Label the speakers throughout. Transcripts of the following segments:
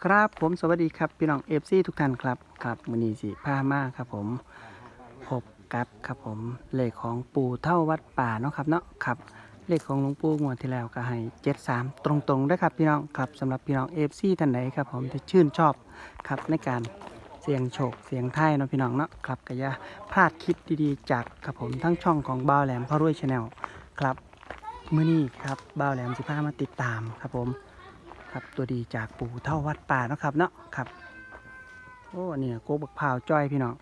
Speaker 1: ครับผมสวัสดีครับพี่น้องFCทุกท่านครับมื้อนี้สิพามาครับผมพบกับครับผมเลขของปู่เท่าวัดป่าเนาะครับเนาะครับเลขของหลวงปู่งวดที่แล้วก็ให้73ตรงๆด้วยครับพี่น้องครับสำหรับพี่น้อง FC ท่านใดครับผมที่ชื่นชอบครับในการเสี่ยงโชคเสี่ยงไทายเนาะพี่น้องเนาะครับก็อย่าพลาดคลิปดีๆจากครับผมทั้งช่องของบ่าวแหลมพระรวย Channel ครับมื้อนี้ครับบ่าวแหลมสิพามาติดตามครับผมครับตัวดีจากปู่เท่าวัดป่าเนาะครับเนาะครับโอ้เนี่ยโกบักพร้าวจ้อยพี่น้อง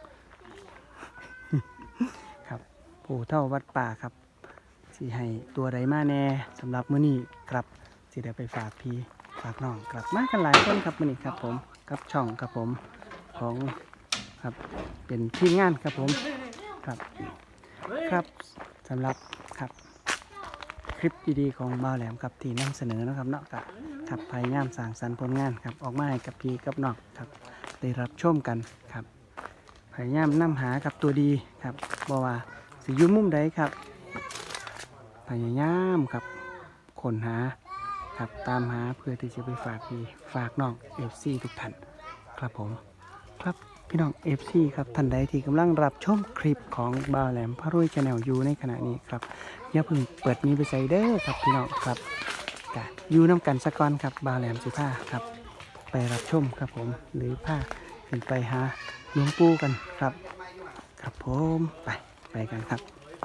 Speaker 1: ครับปู่เท่าวัดป่าครับสิให้ตัวใดมาแน่สำหรับมื้อนี้ครับสิได้ไปฝากพี่ฝากน้องกลับมากันหลายคนครับมื้อนี้ครับผมกับช่องครับผมของครับเป็นทีมงานครับผมครับครับสำหรับครับคลิปดีๆของบ่าวแหลมครับที่นำเสนอนะครับเนาะครับพยายามสร้างสรรค์ผลงานครับออกมาให้กับพี่กับน้องครับได้รับชมกันครับพยายามนำหากับตัวดีครับบอกว่าสิอยู่มุมใดครับพยายามครับค้นหาครับตามหาเพื่อที่จะไปฝากพี่ฝากน้อง FC ทุกท่านครับผมครับพี่น้อง FC ครับท่านใดที่กำลังรับชมคลิปของบ่าวแหลมพระรวย Channel อยู่ในขณะนี้ครับอย่าเพิ่งเปิดนี้ไปใส่เด้อครับพี่น้องครับกะอยู่น้ำกันสักก่อนครับบ่าวแหลมสิผ้าครับไปรับชมครับผมหรือผ้าขึ้นไปหาหลวงปู่กันครับครับผมไปกันครับ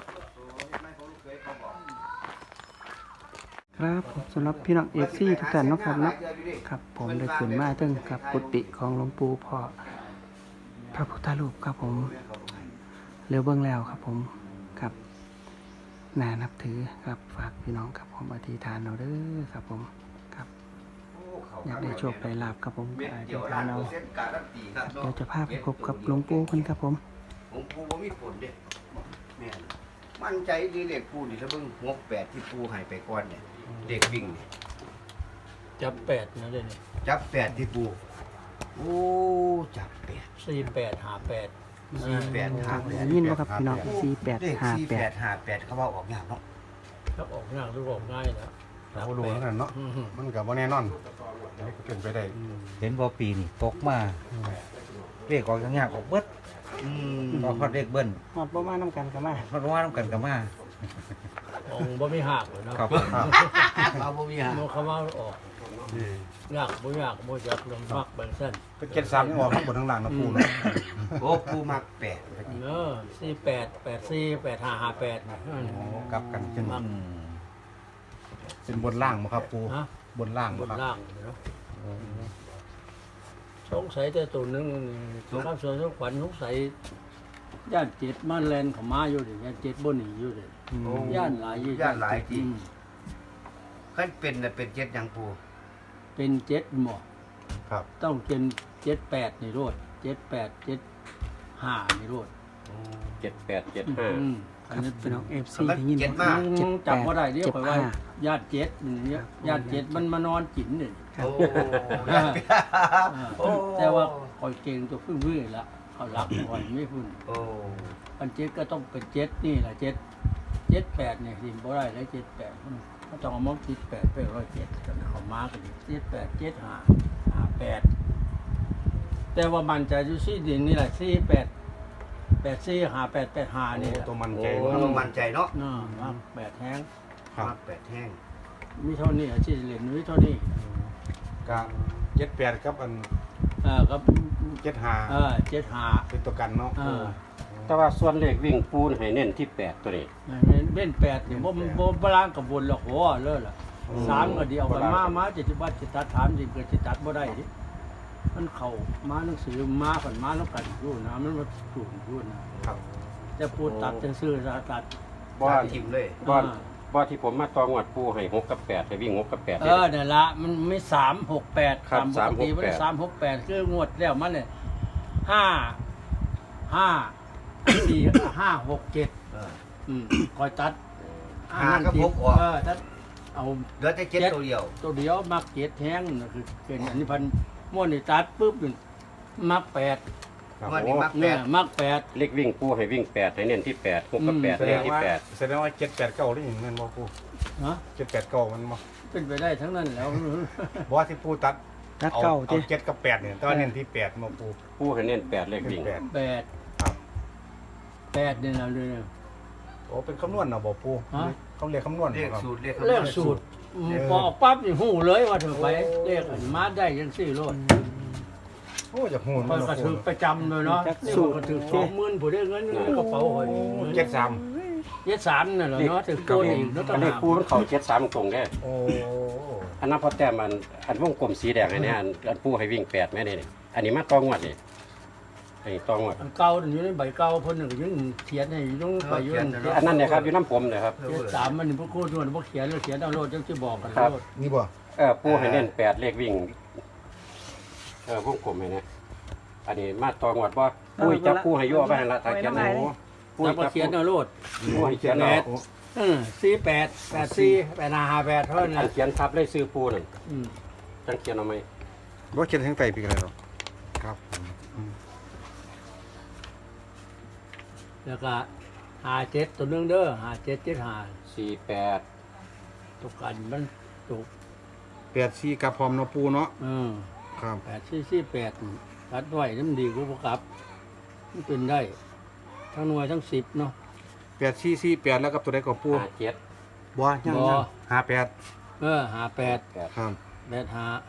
Speaker 1: ครับผมสำหรับพี่น้องFCทุกท่านเนาะครับเนาะครับผมได้ขึ้นมาถึงครับกุฏิของหลวงปู่พ่อพระพุทธรูปครับผมเร็วเบื้องแล้วครับผมครับน่านับถือครับฝากพี่น้องครับผมอธิษฐานเอาเด้อครับผมครับอยากได้โชคได้ลาภครับผมอธิษฐานเอาเดี๋ยวจะพาไปพบกับหลวงปู่กันครับผม
Speaker 2: หลวงปู่ว่ามีผลเด้แม่นมั่นใจดีเลขปู่นี่ถ้าเบิ่ง68ที่ปู่ให้ไปก่อนเนี่ยเลขวิ่งนี่
Speaker 3: จับแปดนะเดี๋ยวนี้
Speaker 2: จับ8ที่ปู่โอ้จับ8
Speaker 3: 48 58
Speaker 2: 48
Speaker 1: ยินว่าครับพี่น้อง4858
Speaker 2: เลข4858เขาว่าออกยากเนาะ
Speaker 3: ครับออกง่ายหรือออกง่ายนะ
Speaker 4: เราก็ดูแล้วกันเนาะมันกับว่าแน่นอนเป็นไปได้
Speaker 5: เห็นบ่ปีนี่ตกมาเลขออกยากๆออกเบิด
Speaker 2: อืม
Speaker 5: ก็ฮอดเลขเบิ้ล
Speaker 1: หอดประมาณน้ำกันกันมา
Speaker 5: ฮอดว่านํกันก็มา
Speaker 3: องค์บ่มีหักเลยเนาะ
Speaker 5: ครับผม
Speaker 2: เอาบ่มีหา
Speaker 3: โมคำว่าออกยากบ่จักลำพักเบิ่งสั้น
Speaker 4: เป็น73ยังออกข้างบนข้างล่างนะปูเนาะ
Speaker 2: โอ้ปู่มัก8
Speaker 3: เออ48 84 8558นะ
Speaker 4: โอ้กลับกันเป็น
Speaker 3: มัก
Speaker 4: เป็นบนล่างมั้งครับปู
Speaker 3: ฮะ
Speaker 4: บนล่าง
Speaker 3: บ
Speaker 4: มั้ง
Speaker 3: น
Speaker 4: ครับ
Speaker 3: ล่างเนาะสงสัยแต่ตัวหนึงครับส่วนขวัญสงสัยย่านจิตมันแลนเข้ามาอยู่ดิย่านจิตบ่หนีอยู่ดิ
Speaker 2: โอ้
Speaker 3: ย่านหลายอยู่
Speaker 2: ย่านหลายจริง
Speaker 3: อืม
Speaker 2: คันเป็นน่ะเป็น7ยังปู่
Speaker 3: เป็นเจ็ดหมอ
Speaker 4: ครับ
Speaker 3: ต้องเป็น78นี่โรด78 75นี่โรด
Speaker 5: 7875
Speaker 1: ครับพี่น้อง FC
Speaker 2: มัน
Speaker 1: ที่ยิน
Speaker 2: เจ็ด
Speaker 1: ว่
Speaker 2: มาก
Speaker 3: จำว่าได้เรียกไปว่า
Speaker 1: 75
Speaker 3: ญาติเจ็ดเนี่ยญาติเจ็ดมันมานอนกินเนี่ย
Speaker 1: ครับ
Speaker 2: โอ้โอ้
Speaker 3: แต่ว่าคอยเก่งตัวพึ่งละเขาหลักคอยไม่พึ่ง
Speaker 2: โอ้
Speaker 3: อันเจ็ดก็ต้องเป็นเจ็ดนี่แหละ78เนี่ยสิบ่ได้แล้ว78เขาต้องเอามาคิด8ไป107เขามากันดิ78 75 58แต่ว่ามันจะอยู่ที่ดินนี่แหละ48 84 58 85นี่แหละ
Speaker 4: ตัวมันใจ
Speaker 2: โอ้
Speaker 4: เนาะ
Speaker 2: มั่นใจเนาะ
Speaker 3: น่ามัก8แห้ง
Speaker 4: ครับ
Speaker 2: มัก8แห้ง
Speaker 3: มีเท่านี้อาชีพเรียนมีเท่านี้
Speaker 4: กะ78ครับอัน
Speaker 3: ครับ
Speaker 4: 75
Speaker 3: 75
Speaker 4: เป็นตัวกันเนาะ
Speaker 5: แต่ว่าส่วนเลขวิ่งปูนให้เน้นที่8ตัวนี้
Speaker 3: เล่น8เนี่ยบ่ล้างกับบนหรอกโหเลิศล่ะ3ก็เดียวกันมา70บาทสิตัด3สิเกิดสิตัดบ่ได้ดิมันเข้ามาหนังสือมาฝันมาแล้วกันอยู่นะมันมาสูงอยู่นะครับ แต่พูดตัดจะซื้อตัด
Speaker 5: บ่
Speaker 2: ทิมเลย
Speaker 5: บ่ที่ผมมาตองวดปูให้6กับ8ให้วิ่ง6กับ8
Speaker 3: นั่นละมันไม่3 6 8
Speaker 5: ครับ
Speaker 3: ปกติมัน3 6 8คืองวดแล้วมันเนี่ย5 5 6 7คอยตัด
Speaker 2: 5กับ6ออก
Speaker 3: ตัดเอา
Speaker 2: เหลือแต่7ตัวเดียว
Speaker 3: ตัวเดียวมักเจ็ดแห้งนะคือเป็นอันนี้พันม้วนนี่ตัดปุ๊บนี่มัก8
Speaker 4: ครับ
Speaker 2: วัน
Speaker 4: โอ้
Speaker 2: นี้มัก
Speaker 3: เนี่ยมัก8
Speaker 5: เลขวิ่งปูให้วิ่ง8ให้เน้นที่8 6กับ8
Speaker 4: แสด
Speaker 5: เน้น
Speaker 4: ง
Speaker 5: ที่
Speaker 4: ว่า
Speaker 5: 8
Speaker 4: แสดงว่า789นี่แม่นบ่ปู
Speaker 3: นะ
Speaker 4: 789มันบ่
Speaker 3: เป็นไปได้ทั้งนั้นแล้ว
Speaker 4: บ่ว่าที่ปูตัด
Speaker 1: รัก
Speaker 4: เอา
Speaker 1: เก่า
Speaker 4: เอา
Speaker 1: เจ้
Speaker 4: 7กับ8เนี่ยแต่ว่าเน้นที่8มาปู
Speaker 2: ผู้ให้เน้น8เลขวิ่ง
Speaker 4: แปด
Speaker 3: แปด
Speaker 4: ครับ
Speaker 3: แปดเนี่ยนะเลย
Speaker 4: โอ้เป็นคำนวณเนาะบ่ปู
Speaker 3: ฮะ
Speaker 4: เขาเรียกคำนวณ
Speaker 2: เลข
Speaker 4: ครับ
Speaker 2: สูตรเลข
Speaker 3: เลขสูตรพอออกปั๊บนี่หูเลยว่าเธอไปเลขอันมาได้ยังสี่โลด
Speaker 4: โอ้จะโหน
Speaker 3: คอยกระถือประจำเลยเนาะนี่มันกระถือ20,000ผู้ได้เงินในกระเป๋าหอย
Speaker 4: 73
Speaker 3: เย็ดสามนั่นแหละเนาะถือโกนอีกแล้วต่าง
Speaker 2: เลข
Speaker 3: หาก
Speaker 2: ผู้มันเข้า73ตรงๆเด้
Speaker 4: โอ้
Speaker 2: อันนั้นพอแต้มอันวงกลมสีแดงให้เนี่ยอันผู้ให้วิ่ง8แม่นี่อันนี้มาตองวดนี่อันนี้ตองวด
Speaker 3: อันเก่าอยู่ในใบเก่าเพิ่นนึงยังเขียนให้อยู่ไปอยู่นั่น
Speaker 2: อันนั้นเนี่ยครับอยู่น้ำผมเนี่ยครับ
Speaker 3: เย็ดสามมันพวกโคตรมันพวกเขียนแล้วเขียนเอาโลดจังสิบอกกัน
Speaker 2: ครับ
Speaker 3: โลด
Speaker 4: นี่บ่
Speaker 2: ผู้ให้เน้น8เลขวิ่งวงกลมให้เนี่ยอันนี้มาตองวดว่าผู้จับผู้ให้ยั่วไปหั่นละถ้าเขียนหนูผู้
Speaker 3: แล้วก็
Speaker 2: จับ
Speaker 3: เขียนเอาโลด
Speaker 2: ผู้ให้เขียนเอา
Speaker 3: 48 84 8558เท่านั้น
Speaker 2: อั
Speaker 3: แหละ
Speaker 2: นเขียนทับเลยซื้อผู้นั่น
Speaker 3: อืม
Speaker 2: จังเขียนเอาไหม
Speaker 4: บ่เขียนทางใต้ปีกันเลยหรอครับอืม
Speaker 3: แล้วก็57ตัวนึงเด้อ5775
Speaker 2: 48
Speaker 3: ตกกันมันตก
Speaker 4: 84กับพร้อมเนาะปูเนาะครับ
Speaker 3: 8448ตัดไว้น้ำดีกว่าบ่กลับมันเป็นได้ทั้งหน่วยทั้ง10เนาะ
Speaker 4: 8448แล้วกับตัวใดก็ปู
Speaker 2: 57
Speaker 4: บ่ยัง
Speaker 3: บ่
Speaker 4: 58
Speaker 3: 58
Speaker 4: ครับ
Speaker 3: 85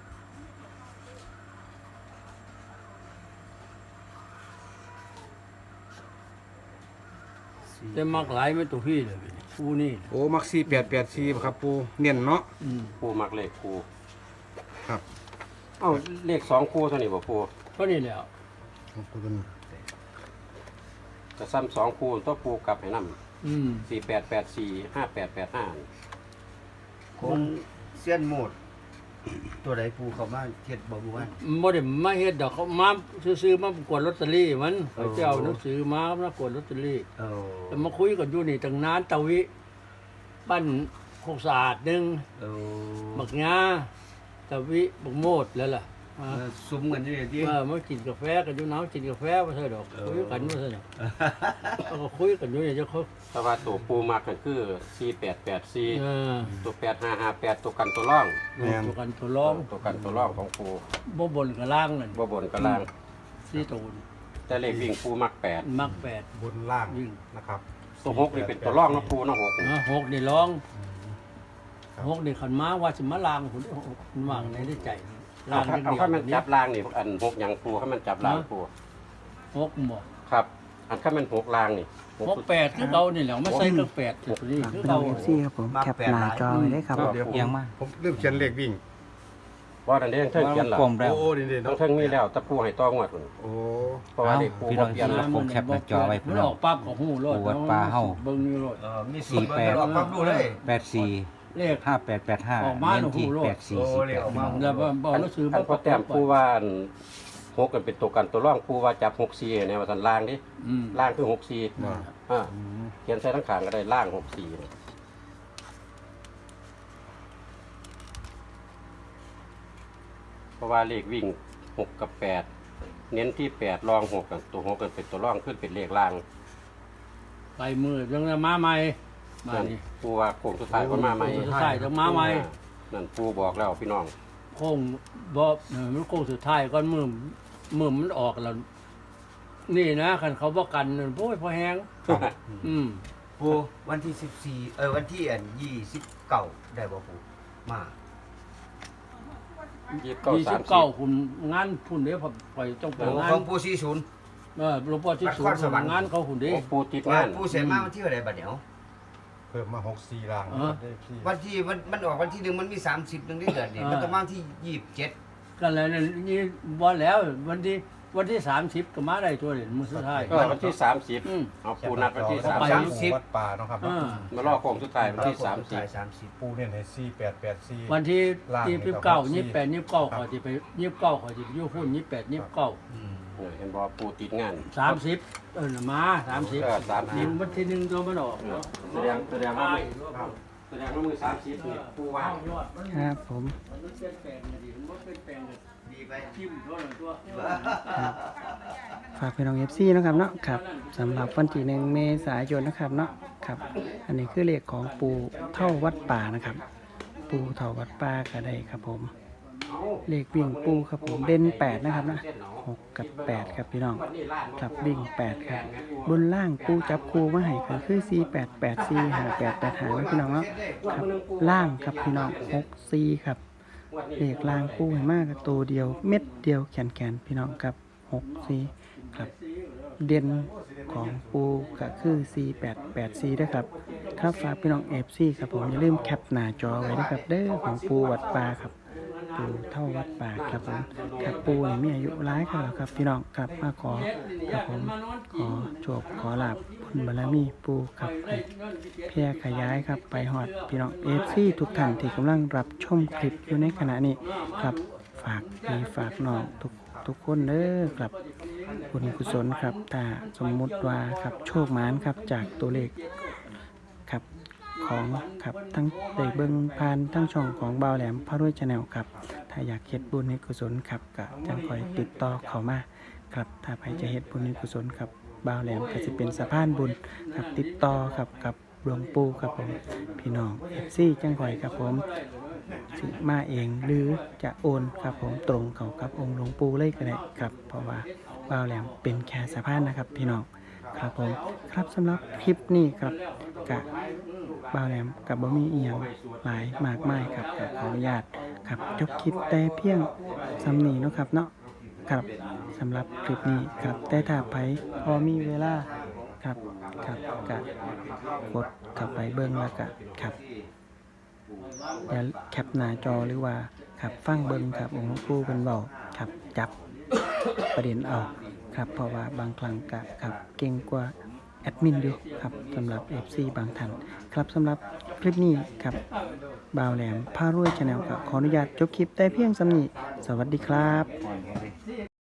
Speaker 3: แต่มักหลายไม่ตัวพี่เลยผู้นี่
Speaker 4: โอ้มัก4884ครับปูเน้นเนาะ
Speaker 2: ผู้มักเลขคู่
Speaker 4: ครับ
Speaker 2: เอ้าเลข2คู่เท่านี้บ่ผู้
Speaker 3: เท่านี้แหล้ว
Speaker 4: ครับปูตัวนี้
Speaker 2: จะซ้ำ2คู่ตัวผู้กลับให้นำ
Speaker 3: อืม
Speaker 2: 4884 5885
Speaker 6: คนเสี้ยนโหมด ตัวใดปูเขามาเฮ็ดบ่บ่ว่า
Speaker 3: บ่ได้มาเฮ็ดดอกเขามาซื้อๆมากวดลอตเตอรี่มันเขาจะเอาหนังสือมากวดลอตเตอรี่
Speaker 6: เออ
Speaker 3: แล้วมาคุยกันอยู่นี่ตั้งนานตะวิบ้านโคกสะอาดหนึง
Speaker 6: เออ
Speaker 3: บักงาตะวิบักโมดแล้วล่ะ
Speaker 6: ซุ่มกันอยู่นี่ติ
Speaker 3: มากินกาแฟกันอยู่น้ำกินกาแฟว่าซั่นดอกคุยกันว่าซั่นดอกแล้วก็คุยกันอยู่นี่จะเขา
Speaker 2: แต่ว่าตัวผู้มักก็คือ4884
Speaker 3: เออ
Speaker 2: ตัว8558ตัวกันตัวร่อง
Speaker 3: ตัวกันตัวร้อง
Speaker 2: ตัวกันตัวร่องของผู้
Speaker 3: บ่บนกับล่างนั่น
Speaker 2: บ่บนก็ล่าง
Speaker 3: สี่ตูน
Speaker 2: แต่เลขวิ่งผู้มัก8
Speaker 3: มักแปด
Speaker 4: บนล่าง
Speaker 3: ยิ่ง
Speaker 4: นะครับ
Speaker 2: ตัว6นี่เป็นตัวร่องเนาะผู้เนาะ6นี่
Speaker 3: หกนี่ร้องหกนี่ขันม้าว่าสิมาลางหุ่นมันวางในได้ใจลาง
Speaker 2: เอาถ้ามันจับล่างนี่อัน6หยังผู้ถ้ามันจับล่างผู้
Speaker 3: หกหมด
Speaker 2: ครับ อันถ้ามัน6ล่างนี่
Speaker 3: หกแปดคือเรานี่แหละไม่ใส่กับแปดจุดนี้คือ
Speaker 1: พี่น้
Speaker 3: เรา
Speaker 1: อง FC ครับผมแคปหน้าจอไว้ได้ครับ
Speaker 4: เดี๋ยวผม
Speaker 5: เอียงมา
Speaker 4: ผมลืมเขียนเลขวิ่ง
Speaker 2: ว่าอันนี้เทิงเขียนล่ะ
Speaker 5: กลมแล้ว
Speaker 4: โอ้นี่
Speaker 2: ต้อ
Speaker 4: เนาะ
Speaker 2: งเทิงมีแล้วแตะผู้ให้ต้องวดพุ่น
Speaker 4: โอ้
Speaker 2: เพราะว่าเลขผู้บ่เปลี่ยน
Speaker 5: พี่น้อง ผมแคปหน้าจอไว้
Speaker 3: มันออกปั๊บของหูรถ
Speaker 5: วัดป่าเฮ้า
Speaker 3: เบิ่งนี่รถ
Speaker 6: มีสูตรเบิ่งออกความรู้เลย
Speaker 5: 84
Speaker 3: เลข
Speaker 5: 5885
Speaker 3: ออกมา
Speaker 5: เน้นที่
Speaker 3: หนูรู้
Speaker 6: โอ้เลขออกมา
Speaker 5: 8448
Speaker 3: แล้วบอกหนังสือ
Speaker 2: อันพอแต้มผู้ว่าอัน6กันเป็นตัวกันตัวร่องผู้ว่าจับ64เนี่ยว่าสันล่างดิ
Speaker 3: อืม
Speaker 2: ล่างคือ64
Speaker 4: ว่า
Speaker 2: เขียนใส่ทั้งขางก็ได้ล่าง64เนี่ยเพราะว่าเลขวิ่ง6กับ8เน้นที่8รอง6กันตัว6กันเป็นตัวร่องขึ้นเป็นเลขล่าง
Speaker 3: ไปมือยังมาใหม่มา
Speaker 2: นั่น
Speaker 3: นี่
Speaker 2: ปูว่าโค้งสุดท้ายก็มาใหม่
Speaker 3: โค้งสุดท้ายจะมาใหม่
Speaker 2: นั่นปูบอกแล้วพี่น้อง
Speaker 3: โค้งบ่มันโค้งสุดท้ายก่อนมือมันออกแล้ว นี่นะคันเขาบ่กันนั่นโอ้ยพอแฮงอืม
Speaker 6: ปูวันที่14วันที่29ได้บ่ปูมา
Speaker 3: 29คุณงานพุ่นเด้อปล่อยต้องไป
Speaker 6: โอ้
Speaker 3: งาน
Speaker 6: ของปู40
Speaker 3: หลวงพ่อที่สูง
Speaker 6: นครสวรรค์
Speaker 3: งานเขาหุ่นเด้
Speaker 2: โอ้ปูติดงาน
Speaker 6: ปูเสร็จมาวันที่เท่าใดบัดเดี๋ยว
Speaker 4: เพิ่มมา64ล่าง
Speaker 3: เออ
Speaker 4: ได้พี่
Speaker 6: วันที่มันออกวันที่1มันมี30นึงได้เดือนนี่มันต้องมาวันที่27
Speaker 3: กันแล้วนี่บ่แล้ววันที่30ก็มาได้ตัวเด่นมื้อสุดท้าย
Speaker 2: ก็วันที่
Speaker 3: อืม
Speaker 2: 30เอาปูนัดวันที่
Speaker 3: ไป
Speaker 2: 30
Speaker 4: วัดป่าเนาะครับ
Speaker 3: อ่า
Speaker 2: มารอโค้งสุดท้ายวันที่
Speaker 6: 30
Speaker 4: ปูเน้นให้4884
Speaker 3: วันที่
Speaker 4: ล่างนี่
Speaker 3: ที่
Speaker 4: ก็
Speaker 3: 29
Speaker 4: สี่
Speaker 3: 28 29เขาสิไป29เขาสิไปอยู่พุ่น28 29
Speaker 6: อืม
Speaker 2: 30เห็นบ่ปูติดงาน
Speaker 3: 30มา30
Speaker 2: 30
Speaker 3: วันที่1ตัวมันออก
Speaker 2: แสดงว่ามือ30นี่ปูว่า
Speaker 1: ครับผม
Speaker 3: มันเปลี่ยนแปลงน่ะดิมันบ่เปลี่ยนแปลงน่ะ
Speaker 6: ดีไป
Speaker 3: ทิ่มเท่านั้นตัว
Speaker 1: ฝากพี่น้อง FC นะครับเนาะครับสำหรับวันที่1เมษายนนะครับเนาะครับ อันนี้คือเลขของปู่เท่าวัดป่านะครับ ปู่เท่าวัดป่าก็ได้ครับผม
Speaker 2: เอา
Speaker 1: เลขวิ่งปูครับผมเด่น8นะครับนะ6กับ8ครับพี่น้องครับวิ่ง8ครับบนล่างปูจับคู่มาให้ก็คือ48 84 58 85นะพี่น้องเนาะครับล่างครับพี่น้อง64ครับเลขล่างปูให้มากกับตัวเดียวเม็ดเดียวแขนๆพี่น้องครับ64ครับเด่นของปูก็คือ4884ด้วยครับครับฝากพี่น้อง FC ครับผมอย่าลืมแคปหน้าจอไว้นะครับเด้อของปูวัดป่าครับปูเท่าวัดป่าครับผมครับปูนี่มีอายุหลายครับแล้วครับพี่น้องครับมาขอครับผมขอโชคขอลาภบุญบารมีปูครับให้แพร่ขยายครับไปฮอดพี่น้อง FC ทุกท่านที่กำลังรับชมคลิปอยู่ในขณะนี้ครับฝากพี่ฝากน้องทุกคนเด้อครับบุญกุศลครับถ้าสมมุติว่าครับโชคหมานครับจากตัวเลขครับของครับทั้งได้เบิ่งผ่านทั้งช่องของบ่าวแหลมพระรวยชาแนลครับถ้าอยากเฮ็ดบุญให้กุศลครับก็จังคอยติดต่อเข้ามาครับถ้าใครจะเฮ็ดบุญให้กุศลครับบ่าวแหลมก็สิเป็นสะพานบุญครับติดต่อครับกับหลวงปู่ครับผมพี่น้อง FC จังคอยครับผมสิมาเองหรือจะโอนครับผมตรงเข้ากับองค์หลวงปู่เลยก็ได้ครับเพราะว่าบ่าวแหลมเป็นแค่สะพานนะครับพี่น้องครับผมครับสำหรับคลิปนี้ครับกะบ่าวแหลมกับบ่มีอีหยังหลายมากมายครับขออนุญาตครับจบคลิปแต่เพียงสำนีเนาะครับเนาะครับสำหรับคลิปนี้ครับแต่ถ้าไผพอมีเวลาครับกะกดเข้าไปเบิ่งแล้วกะครับอย่าแคปหน้าจอหรือว่าครับฟังเบิ่งครับองค์หลวงปู่เป็นเว้าครับจับประเด็นเอาครับเพราะว่าบางครั้งกะครับเก่งกว่าแอดมินอยู่ครับสำหรับ FC บางท่านครับสำหรับคลิปนี้ครับบ่าวแหลมพารวยชาแนลครับขออนุญาตจบคลิปแต่เพียงสำนี้สวัสดีครับ